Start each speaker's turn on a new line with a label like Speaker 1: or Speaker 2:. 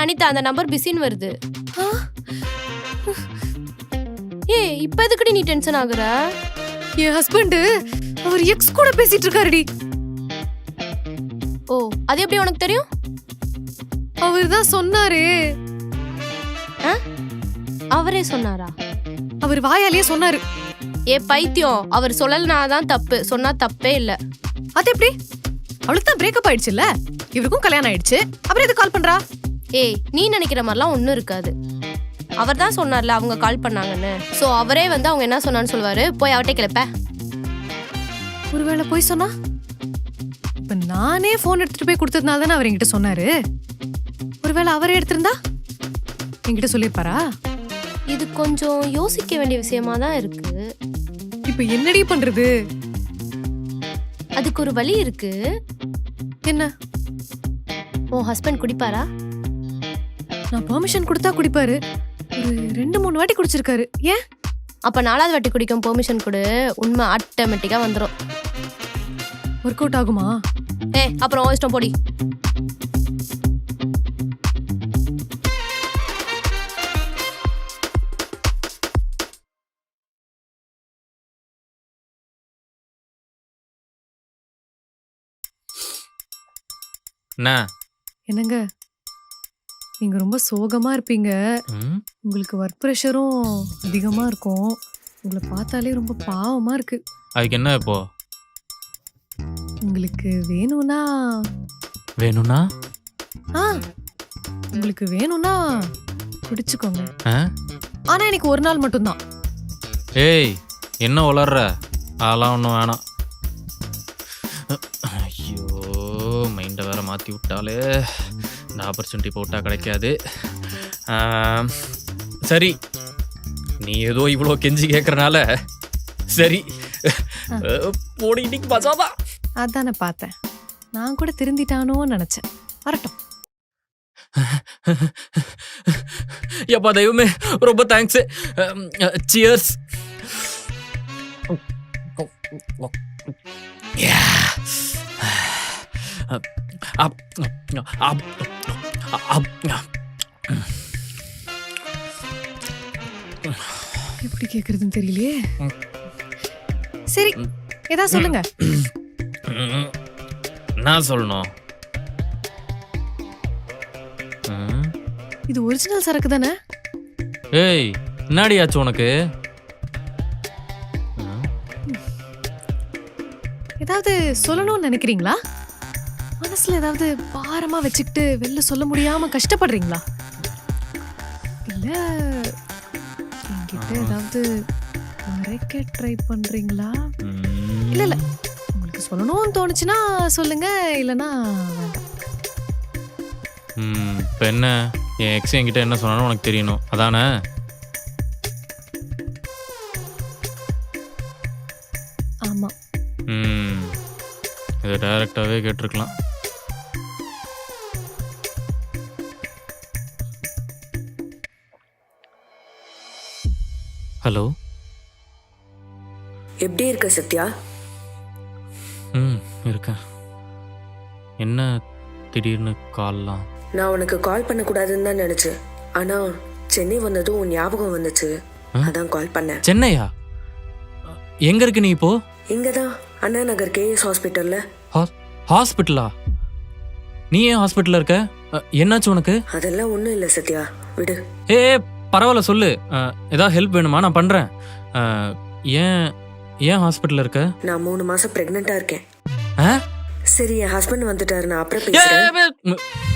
Speaker 1: அனிதா அந்த நம்பர் பிஸின்னு வருது. ஏய் இப்ப எதுக்குடி நீ டென்ஷன் ஆகுற?
Speaker 2: என் ஹஸ்பண்ட் அவர் எக்ஸ் கூட பேசிட்டு இருக்காருடி.
Speaker 1: ஓ அது எப்படி உனக்கு தெரியும்?
Speaker 2: அவர் தான் சொன்னாரு.
Speaker 1: அவரே சொன்னாரா?
Speaker 2: அவர் வாயாலேயே சொன்னாரு.
Speaker 1: ஏ பைத்தியம், அவர் சொல்லலனாதான் தப்பு, சொன்னா தப்பே இல்ல.
Speaker 2: அது எப்படி? அவளுக்கு தான் பிரேக்கப் ஆயிடுச்சுல்ல, இவருக்கும் கல்யாணம் ஆயிடுச்சு, அப்புறம் எது கால் பண்றா?
Speaker 1: ஏய் நீ நினைக்கிற மாதிரிலாம் ஒன்றும் இருக்காது. அவர் தான் சொன்னார்ல அவங்க கால் பண்ணாங்கன்னு. ஸோ அவரே வந்து அவங்க என்ன சொன்னான்னு சொல்லுவாரு. போய் அவட்டே கிளப்ப.
Speaker 2: ஒருவேளை போய் சொன்னா? இப்ப நானே போன் எடுத்துட்டு போய் கொடுத்ததுனால தானே அவர் என்கிட்ட சொன்னாரு. ஒருவேளை அவரே எடுத்திருந்தா என்கிட்ட சொல்லிருப்பாரா?
Speaker 1: இது கொஞ்சம் யோசிக்க வேண்டிய விஷயமா தான் இருக்கு.
Speaker 2: இப்ப என்னடி பண்றது?
Speaker 1: அதுக்கு ஒரு வழி இருக்கு.
Speaker 2: என்ன?
Speaker 1: உன் ஹஸ்பண்ட் குடிப்பாரா?
Speaker 2: நான் பெர்மிஷன் கொடுத்தா குடிப்பாரு. ஒரு 2-3 வாட்டி குடிச்சிருக்காரு. ஏன்?
Speaker 1: அப்ப 4வது வாட்டி குடிக்கும் பெர்மிஷன் கொடு, உண்மை ஆட்டோமேட்டிக்கா வந்துடும்.
Speaker 2: ஒர்க் அவுட் ஆகுமா?
Speaker 1: அப்புறம் இஷ்டம் போடி.
Speaker 2: என்னங்க நீங்க ரொம்ப சோகமா இருப்பீங்க. உங்களுக்கு ஒர்க் ப்ரெஷரும் அதிகமா இருக்கும். உங்களை பார்த்தாலே ரொம்ப பாவமா இருக்கு.
Speaker 3: அதுக்கு என்ன இப்போ?
Speaker 2: உங்களுக்கு வேணும்னா உங்களுக்கு வேணும்னா குடிச்சுக்கோங்க. ஆனா எனக்கு ஒரு நாள் மட்டும்தான்.
Speaker 3: ஏய் என்ன உளர்ற? அதெல்லாம் ஒன்றும் வேணாம். ஐயோ மைண்டை வேற மாற்றி விட்டாலே இந்த ஆப்பர்ச்சுனிட்டி போட்டால் கிடைக்காது. சரி நீ ஏதோ இவ்வளோ கெஞ்சி கேட்குறனால சரி போடி இன்னைக்கு பசாதான்.
Speaker 2: அதானே பார்த்தேன். நான் கூட திருந்திட்டானோன்னு நினைச்சேன். வரட்டும்.
Speaker 3: எப்பா தெய்வமே ரொம்ப தேங்க்ஸ். சியர்ஸ்.
Speaker 2: எப்படி கேக்குறதுன்னு தெரியலையே. சரி ஏதா சொல்லுங்க.
Speaker 3: நான் சொல்லணும்.
Speaker 2: இது ஒரிஜினல் சரக்கு தானே?
Speaker 3: ஏய் என்னடி ஆச்சு உனக்கு?
Speaker 2: ஏதாவது சொல்லணும்னு நினைக்கிறீங்களா? மனசுல ஏதாவது பாரமா வச்சுக்கிட்டு வெளில சொல்ல முடியாம கஷ்டப்படுறீங்களா? இல்ல என்கிட்ட ஏதாவது மறைக்க ட்ரை பண்றீங்களா? இல்ல இல்ல உங்களுக்கு சொல்லணும்னு தோணுச்சுன்னா சொல்லுங்க, இல்லைன்னா வேண்டாம்.
Speaker 3: இப்போ என்ன? என் எக்ஸ் என்கிட்ட என்ன சொன்னாலும் உனக்கு தெரியணும் அதானே?
Speaker 2: ஆமா.
Speaker 3: இதை டைரக்டாகவே கேட்டிருக்கலாம். ஹலோ,
Speaker 4: எப்படி இருக்க சத்யா?
Speaker 3: இருக்கேன். என்ன திடீர்னு கால்லாம்?
Speaker 4: நான் உனக்கு கால் பண்ணக்கூடாதுன்னு தான் நினைச்சேன். ஆனா சென்னை வந்ததும் உன் ஞாபகம் வந்துச்சு, அதான் கால் பண்ணேன்.
Speaker 3: சென்னையா? எங்க இருக்கு நீ இப்போ?
Speaker 4: இங்கதான் அண்ணா நகர் கேஎஸ் ஹாஸ்பிட்டல்ல.
Speaker 3: ஹாஸ்பிட்டலா? நீ ஏன் ஹாஸ்பிட்டல்ல இருக்க? என்னாச்சு உனக்கு?
Speaker 4: அதெல்லாம் ஒண்ணும் இல்ல சத்யா, விடு.
Speaker 3: ஏ பரவாயில்ல சொல்லு. ஏதாவது ஹெல்ப் வேணுமா? நான் பண்றேன். ஏன் ஏன் ஹாஸ்பிட்டல்ல இருக்க?
Speaker 4: நான் 3 மாசம் பிரெக்னெண்டா இருக்கேன். சரி என் ஹஸ்பண்ட் வந்துட்டாரு, நான் அப்புறம் பேசுறேன்.